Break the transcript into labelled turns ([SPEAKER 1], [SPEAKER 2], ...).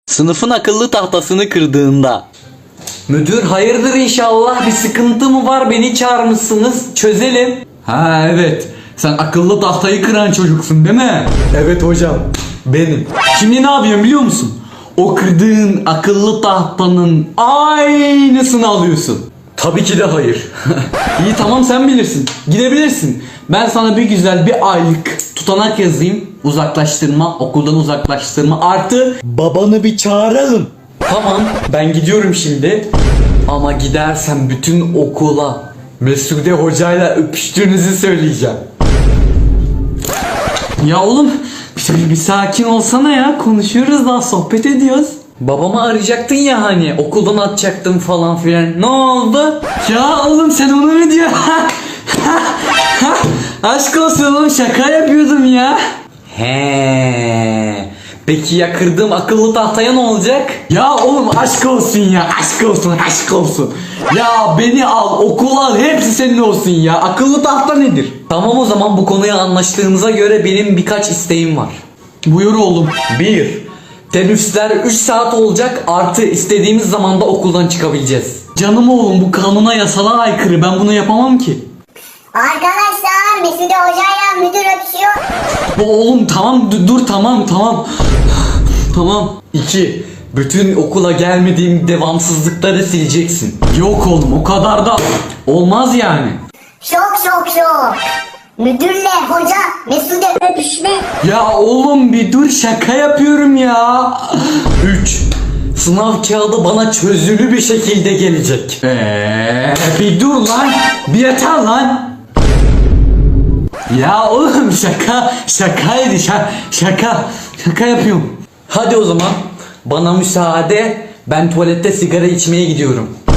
[SPEAKER 1] Sınıfın akıllı tahtasını kırdığında. Müdür hayırdır inşallah, bir sıkıntı mı var, beni çağırmışsınız, çözelim.
[SPEAKER 2] Ha evet, sen akıllı tahtayı kıran çocuksun değil mi?
[SPEAKER 1] Evet hocam, benim.
[SPEAKER 2] Şimdi ne yapıyorsun biliyor musun? O kırdığın akıllı tahtanın aynısını alıyorsun.
[SPEAKER 1] Tabii ki de hayır.
[SPEAKER 2] İyi tamam, sen bilirsin. Gidebilirsin. Ben sana bir güzel bir aylık tutanak yazayım. Uzaklaştırma, okuldan uzaklaştırma artı
[SPEAKER 1] Babanı bir çağıralım. Tamam, ben gidiyorum şimdi. Ama gidersem bütün okula Mesude hocayla öpüştüğünüzü söyleyeceğim.
[SPEAKER 2] Ya oğlum bir sakin olsana ya, konuşuyoruz daha, sohbet ediyoruz.
[SPEAKER 1] Babamı arayacaktın ya hani, okuldan atacaktım falan filan. Ne oldu?
[SPEAKER 2] Ya oğlum sen onu mu diyorsun? Aşk olsun oğlum, şaka yapıyordum ya.
[SPEAKER 1] He. Peki ya kırdığım akıllı tahtaya ne olacak?
[SPEAKER 2] Ya oğlum aşk olsun ya, aşk olsun, aşk olsun. Ya beni al, okul al, hepsi senin olsun ya. Akıllı tahta nedir?
[SPEAKER 1] Tamam, o zaman bu konuya anlaştığımıza göre benim birkaç isteğim var.
[SPEAKER 2] Buyur oğlum.
[SPEAKER 1] 1. Teneffüsler 3 saat olacak, artı istediğimiz zamanda okuldan çıkabileceğiz.
[SPEAKER 2] Canım oğlum, bu kanuna yasala aykırı, ben bunu yapamam ki.
[SPEAKER 3] Arkadaşlar Mesude hocayla müdür öpüşüyor.
[SPEAKER 2] Oğlum tamam, dur tamam. Tamam.
[SPEAKER 1] 2. Bütün okula gelmediğim devamsızlıkları sileceksin.
[SPEAKER 2] Yok oğlum, o kadar da olmaz yani.
[SPEAKER 3] Şok. Müdürle hoca Mesude öpüşme.
[SPEAKER 2] Ya oğlum bir dur, şaka yapıyorum ya.
[SPEAKER 1] 3. Sınav kağıdı bana çözülü bir şekilde gelecek.
[SPEAKER 2] Bir dur lan, bir yeter lan. Ya oğlum şakaydı, şaka yapıyorum.
[SPEAKER 1] Hadi o zaman bana müsaade, ben tuvalette sigara içmeye gidiyorum.